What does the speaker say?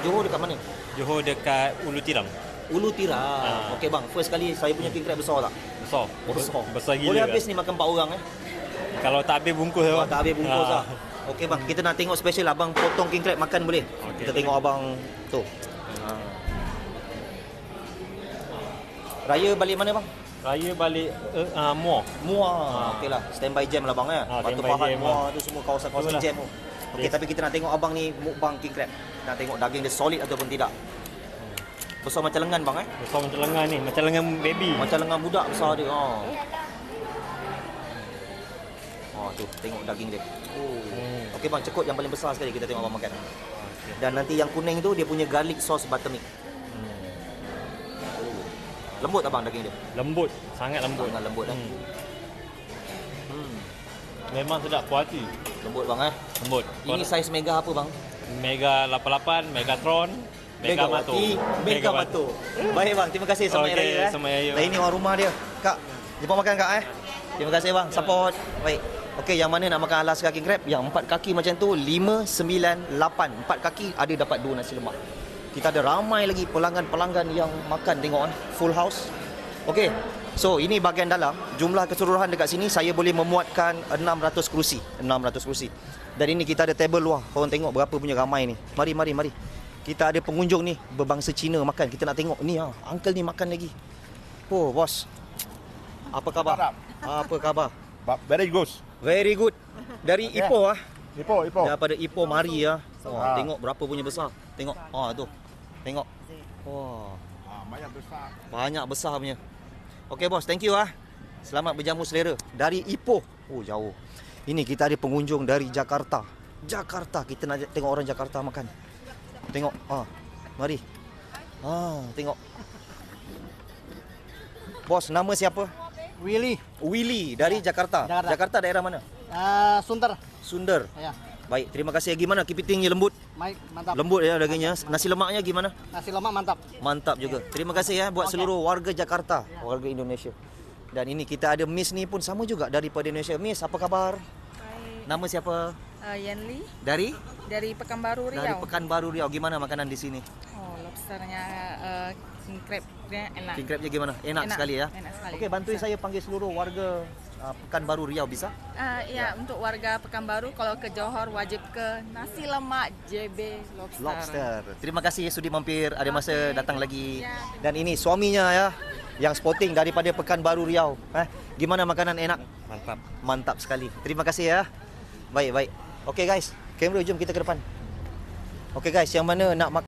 Johor dekat mana? Johor dekat Ulu Tiram. Ulu Tiram. Okey bang, first kali saya punya king crab besar tak? Besar. Besar. Besar gila. Boleh habis ni makan 4 orang Kalau tak habis bungkus Kalau bang. tak habis bungkus lah. Okey bang, kita nak tengok special abang potong king crab makan boleh? Okey. Kita tengok abang tu. Raya balik mana bang? Raya balik Muar. Muar. Okeylah, standby jam lah bang ya. Batu standby Pahat, jam Muar lah. tu semua kawasan-kawasan Itulah. jam tu. Okey, tapi kita nak tengok abang ni mukbang king crab. Nak tengok daging dia solid ataupun tidak. Besar macam lengan bang Besar macam lengan ni, macam lengan baby. Macam lengan budak besar dia. Tu tengok daging dia. Okey bang, cekut yang paling besar sekali kita tengok abang makan. Dan nanti yang kuning tu dia punya garlic sauce buttermilk. Lembut tak bang daging dia? Lembut, sangat lembut. Sangat lembut Memang sedap, puas hati. Lembut bang Lembut. Ini saiz mega apa bang? Mega 88, Megatron, Mega Mato. Mega Mato. Baik bang, terima kasih sama Okey, Raya. sama Raya. Dan ini orang rumah dia. Kak, jumpa makan kak Terima kasih bang, support. Baik. Okey, yang mana nak makan Alaska king crab? Yang 4 kaki macam tu 5, 9, 8. 4 kaki ada dapat 2 nasi lemak. Kita ada ramai lagi pelanggan-pelanggan yang makan, tengok full house. Okey. So, ini bahagian dalam. Jumlah keseluruhan dekat sini saya boleh memuatkan 600 kerusi. 600 kerusi. Dan ini kita ada table luar. Korang tengok berapa punya ramai ni. Mari. Kita ada pengunjung ni berbangsa Cina makan. Kita nak tengok ni uncle ni makan lagi. Oh, bos. Apa khabar? Apa khabar? Very good. Very good. Dari Ipoh Ipoh. Daripada Ipoh mari tengok berapa punya besar. Tengok. Tu. Tengok. Wah. Banyak besar. Banyak besar punya. Okey bos, thank you Selamat berjamu selera. Dari Ipoh. Oh, jauh. Ini kita ada pengunjung dari Jakarta. Kita nak tengok orang Jakarta makan. Tengok. Mari. Tengok. Bos, nama siapa? Willy dari Jakarta. Jakarta daerah mana? Sunter. Ya. Baik, terima kasih. Gimana kepitingnya lembut? Baik, mantap. Lembut ya dagingnya. Nasi lemaknya gimana? Nasi lemak mantap. Mantap juga. Terima kasih buat seluruh warga Jakarta, warga Indonesia. Dan ini kita ada Miss ni pun sama juga daripada Indonesia. Miss, apa kabar? Hai. Nama siapa? Yanli Dari Pekanbaru Riau. Dari Pekanbaru Riau. Gimana makanan di sini? Lobsternya king crab-nya enak. King crabnya gimana? Enak sekali ya. Enak sekali. Okey, bantuin saya panggil seluruh warga Pekanbaru Riau bisa? Ya, untuk warga Pekanbaru kalau ke Johor wajib ke nasi lemak JB Lobster. Terima kasih sudi mampir. Ada masa datang lagi. Ya. Dan ini suaminya yang sporting daripada Pekanbaru Riau. Gimana makanan enak? Mantap sekali. Terima kasih Baik. Okey guys, kamera jom kita ke depan. Okey guys, yang mana nak makan